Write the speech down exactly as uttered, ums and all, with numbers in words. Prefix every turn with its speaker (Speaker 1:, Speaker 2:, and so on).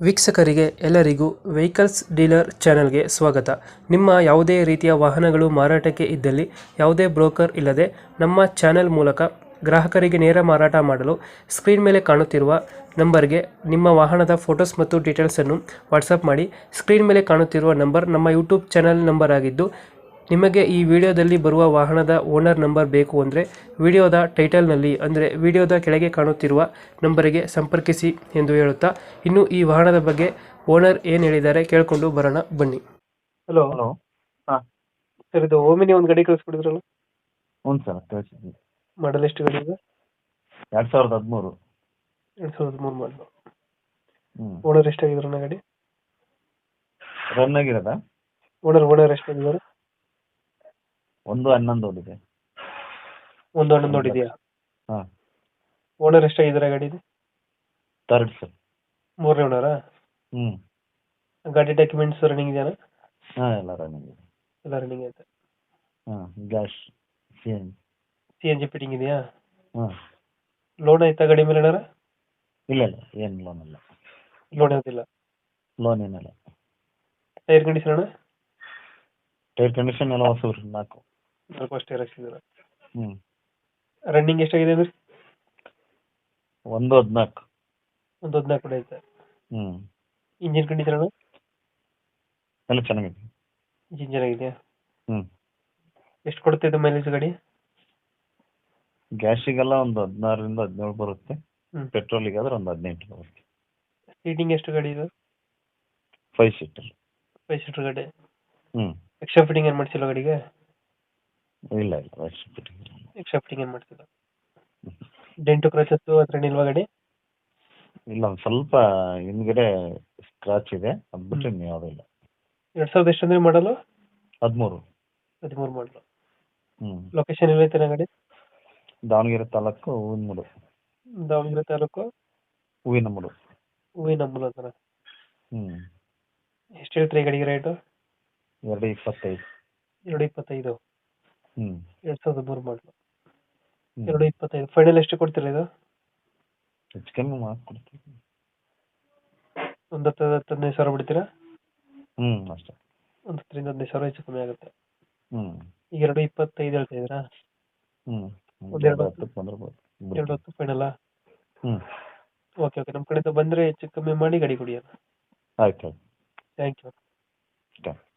Speaker 1: ವೀಕ್ಷಕರಿಗೆ ಎಲ್ಲರಿಗೂ vehicles dealer ಚಾನೆಲ್ಗೆ ಸ್ವಾಗತ. ನಿಮ್ಮ ಯಾವುದೇ ರೀತಿಯ ವಾಹನಗಳು ಮಾರಾಟಕ್ಕೆ ಇದ್ದಲ್ಲಿ ಯಾವುದೇ ಬ್ರೋಕರ್ ಇಲ್ಲದೆ ನಮ್ಮ ಚಾನೆಲ್ ಮೂಲಕ ಗ್ರಾಹಕರಿಗೆ ನೇರ ಮಾರಾಟ ಮಾಡಲು ಸ್ಕ್ರೀನ್ ಮೇಲೆ ಕಾಣುತ್ತಿರುವ ನಂಬರ್ಗೆ ನಿಮ್ಮ ವಾಹನದ ಫೋಟೋಸ್ ಮತ್ತು ಡೀಟೇಲ್ಸನ್ನು ವಾಟ್ಸಪ್ ಮಾಡಿ. ಸ್ಕ್ರೀನ್ ಮೇಲೆ ಕಾಣುತ್ತಿರುವ ನಂಬರ್ ನಮ್ಮ ಯೂಟ್ಯೂಬ್ ಚಾನೆಲ್ ನಂಬರ್ ಆಗಿದ್ದು, ನಿಮಗೆ ಈ ವಿಡಿಯೋದಲ್ಲಿ ಬರುವ ವಾಹನದ ಓನರ್ ನಂಬರ್ ಬೇಕು ಅಂದರೆ ವಿಡಿಯೋದ ಟೈಟಲ್ನಲ್ಲಿ ಅಂದರೆ ವಿಡಿಯೋದ ಕೆಳಗೆ ಕಾಣುತ್ತಿರುವ ನಂಬರಿಗೆ ಸಂಪರ್ಕಿಸಿ ಎಂದು ಹೇಳುತ್ತಾ, ಇನ್ನು ಈ ವಾಹನದ ಬಗ್ಗೆ ಓನರ್ ಏನು ಹೇಳಿದ್ದಾರೆ ಕೇಳಿಕೊಂಡು ಬರೋಣ ಬನ್ನಿ. Hello
Speaker 2: hello. ಹಾಂ
Speaker 1: ಸರ್, ಇದು ಓಮಿನಿ ಒಂದು ಗಾಡಿ ಕಳಿಸ್ಬಿಡಿದ್ರಲ್ಲ,
Speaker 2: ಹ್ಞೂ ಸರ್ ಕಳಿಸಿದ್ವಿ.
Speaker 1: ಮಾಡಲ್ ಎಷ್ಟು ಗಾಡಿ ಇದೆ?
Speaker 2: ಎರಡು ಸಾವಿರದ ಹದಿಮೂರು.
Speaker 1: ಎರಡು ಸಾವಿರದ ಮೂರು ಮಾಡಲು.
Speaker 2: ಹ್ಞೂ
Speaker 1: ಓನರ್ ಎಷ್ಟಾಗಿದ್ರಣ್ಣ ಗಾಡಿ?
Speaker 2: ರನ್ ಆಗಿರೋದಾ?
Speaker 1: ಓನರ್ ಓನರ್ ಎಷ್ಟಾಗಿದ್ದಾರೆ?
Speaker 2: ಒಂದು ಹನ್ನೊಂದು ಓದಿದೆ.
Speaker 1: ಒಂದು ಹಣ್ಣು ನೋಡಿದ್ಯಾ?
Speaker 2: ಹಾಂ
Speaker 1: ಓನರ್ ಎಷ್ಟಾಗಿದ್ದಾರೆ ಗಾಡಿದು?
Speaker 2: Third sir.
Speaker 1: ಮೂರನೇ ಓನರಾ?
Speaker 2: ಹ್ಞೂ
Speaker 1: ಗಾಡಿ ಡಾಕ್ಯುಮೆಂಟ್ಸ್ ರನ್ನಿಂಗ್ ಇದೆಯಾ?
Speaker 2: ಹಾಂ ಎಲ್ಲ ರನ್ನಿಂಗ್ ಇದೆ.
Speaker 1: ಎಲ್ಲ ರನ್ನಿಂಗ್ ಐತೆ.
Speaker 2: ಹಾಂ gas C N
Speaker 1: C N G fitting ಇದೆಯಾ?
Speaker 2: ಹಾಂ
Speaker 1: ಲೋನ್ ಆಯ್ತಾ ಗಾಡಿ ಮೇಲೆ ಏನಾರ?
Speaker 2: ಇಲ್ಲ ಇಲ್ಲ ಏನು ಲೋನ್ ಇಲ್ಲ.
Speaker 1: ಲೋನ್ ಆಯ್ತಿಲ್ಲ.
Speaker 2: ಲೋನ್ ಏನಿಲ್ಲ.
Speaker 1: ಟೈರ್ ಕಂಡೀಷನ್ ಅಣ್ಣ?
Speaker 2: ಟೈರ್ ಕಂಡೀಷನ್ ಎಲ್ಲ ಹೊಸರು ನಾಲ್ಕು.
Speaker 1: ನಾಲ್ಕು ಅಷ್ಟೇ ಹಾಕ್ಸಿದ್ದೀರಾ?
Speaker 2: ಹ್ಞೂ
Speaker 1: ರನ್ನಿಂಗ್ ಎಷ್ಟಾಗಿದೆ ಅಂದ್ರೆ?
Speaker 2: ಒಂದು ಹದಿನಾಲ್ಕು.
Speaker 1: ಒಂದು ಹದಿನಾಲ್ಕು ಕೂಡ ಐತೆ.
Speaker 2: ಹ್ಞೂ
Speaker 1: ಇಂಜಿನ್ ಕಂಡೀಷನ್ ಅಣ್ಣ?
Speaker 2: ಎಲ್ಲ ಚೆನ್ನಾಗಿದೆ.
Speaker 1: ಇಂಜಿನ್ ಚೆನ್ನಾಗಿದೆಯಾ?
Speaker 2: ಹ್ಞೂ
Speaker 1: ಎಷ್ಟು ಕೊಡುತ್ತೆ ಇದು ಮೈಲೇಜ್ ಗಾಡಿ?
Speaker 2: ಗ್ಯಾಸಿಗೆಲ್ಲ ಒಂದು ಹದಿನಾರರಿಂದ ಹದಿನೇಳು ಬರುತ್ತೆ.
Speaker 1: ಹ್ಞೂ
Speaker 2: ಪೆಟ್ರೋಲಿಗೆ ಆದ್ರೆ ಒಂದು ಹದಿನೆಂಟು ಬರುತ್ತೆ.
Speaker 1: ಸೀಟಿಂಗ್ ಎಷ್ಟು ಗಾಡಿ ಇದು?
Speaker 2: Five seater.
Speaker 1: ಫೈವ್ ಸೀಟರ್ ಗಾಡಿ.
Speaker 2: ಹ್ಞೂ
Speaker 1: ಎಕ್ಸ್ಟ್ರಾ ಫಿಟ್ಟಿಂಗ್ ಏನು ಮಾಡಿಸಿಲ್ಲ ಗಾಡಿಗೆ?
Speaker 2: ಇಲ್ಲ ಇಲ್ಲ ವಯಸ್ಸು ಬಿಟ್ಟು.
Speaker 1: ಎಕ್ಸ್ಟ್ರಾ ಫಿಟ್ಟಿಂಗ್ ಏನು ಮಾಡಿಸಿಲ್ಲ. ಡೆಂಟು ಕ್ರಚಸ್ಸು ಹತ್ರ ನಿಲ್ವಾ ಗಾಡಿ?
Speaker 2: ಇಲ್ಲ ಒಂದು ಸ್ವಲ್ಪ ಹಿಂದ್ಗಡೆ ಸ್ಕ್ರಾಚ್ ಇದೆ, ಅದು ಬಿಟ್ಟರೆ ಇನ್ನು ಯಾವುದೂ ಇಲ್ಲ.
Speaker 1: ಎರಡು ಸಾವಿರದ ಎಷ್ಟು ಅಂದರೆ ಮಾಡಲು?
Speaker 2: ಹದಿಮೂರು.
Speaker 1: ಹದಿಮೂರು ಮಾಡಲು.
Speaker 2: ಹ್ಞೂ
Speaker 1: ಲೊಕೇಶನ್ ಎಲ್ಲೈತೆ ಗಾಡಿ?
Speaker 2: ದಾವಣಗೆರೆ ತಾಲೂಕು ಹೂವಿನಮೂಡು.
Speaker 1: ದಾವಣಗೆರೆ ತಾಲೂಕು
Speaker 2: ಹೂವಿನಮೂಡು.
Speaker 1: ಹೂವಿನಂಬಲ ಅಂತಾನೆ.
Speaker 2: ಹ್ಞೂ
Speaker 1: ಎಷ್ಟು ಹೇಳ್ತೀರಿ ಗಾಡಿಗೆ ರೇಟು?
Speaker 2: ಎರಡು ಇಪ್ಪತ್ತೈದು.
Speaker 1: ಎರಡು ಇಪ್ಪತ್ತೈದು.
Speaker 2: ಹ್ಞೂ
Speaker 1: ಎರಡು ಸಾವಿರದ ಮೂರು ಮಾಡಲು.
Speaker 2: ಹ್ಞೂ
Speaker 1: ಎರಡು ಇಪ್ಪತ್ತೈದು ಫೈನಲ್ ಎಷ್ಟು ಕೊಡ್ತೀರಾ ಇದು?
Speaker 2: ಹೆಚ್ಚು ಕಮ್ಮಿ ಮಾಡಿಕೊಡ್ತೀವಿ.
Speaker 1: ಒಂದು ಹತ್ತು ಹತ್ತು ಹದಿನೈದು ಸಾವಿರ ಬಿಡ್ತೀರಾ?
Speaker 2: ಹ್ಞೂ ಅಷ್ಟೇ.
Speaker 1: ಒಂದು ಹತ್ತರಿಂದ ಹದಿನೈದು ಸಾವಿರ ಹೆಚ್ಚು ಕಮ್ಮಿ ಆಗುತ್ತೆ.
Speaker 2: ಹ್ಞೂ
Speaker 1: ಈಗ ಎರಡು ಇಪ್ಪತ್ತೈದು ಹೇಳ್ತಾ ಇದ್ದೀರಾ?
Speaker 2: ಹ್ಞೂ
Speaker 1: ಒಂದು ಎರಡು ಹತ್ತು
Speaker 2: ಹತ್ತಕ್ಕೆ ಬಂದಿರ್ಬೋದು.
Speaker 1: ಎರಡು ಹತ್ತು ಫೈನಲ್ಲ?
Speaker 2: ಹ್ಞೂ
Speaker 1: ಓಕೆ ಓಕೆ, ನಮ್ಮ ಕಡೆಯಿಂದ ಬಂದರೆ ಹೆಚ್ಚು ಕಮ್ಮಿ ಮಾಡಿ ಗಾಡಿ ಕೊಡಿ.
Speaker 2: ಆಯ್ತು ಆಯ್ತು.
Speaker 1: Thank you.
Speaker 2: ಥ್ಯಾಂಕ್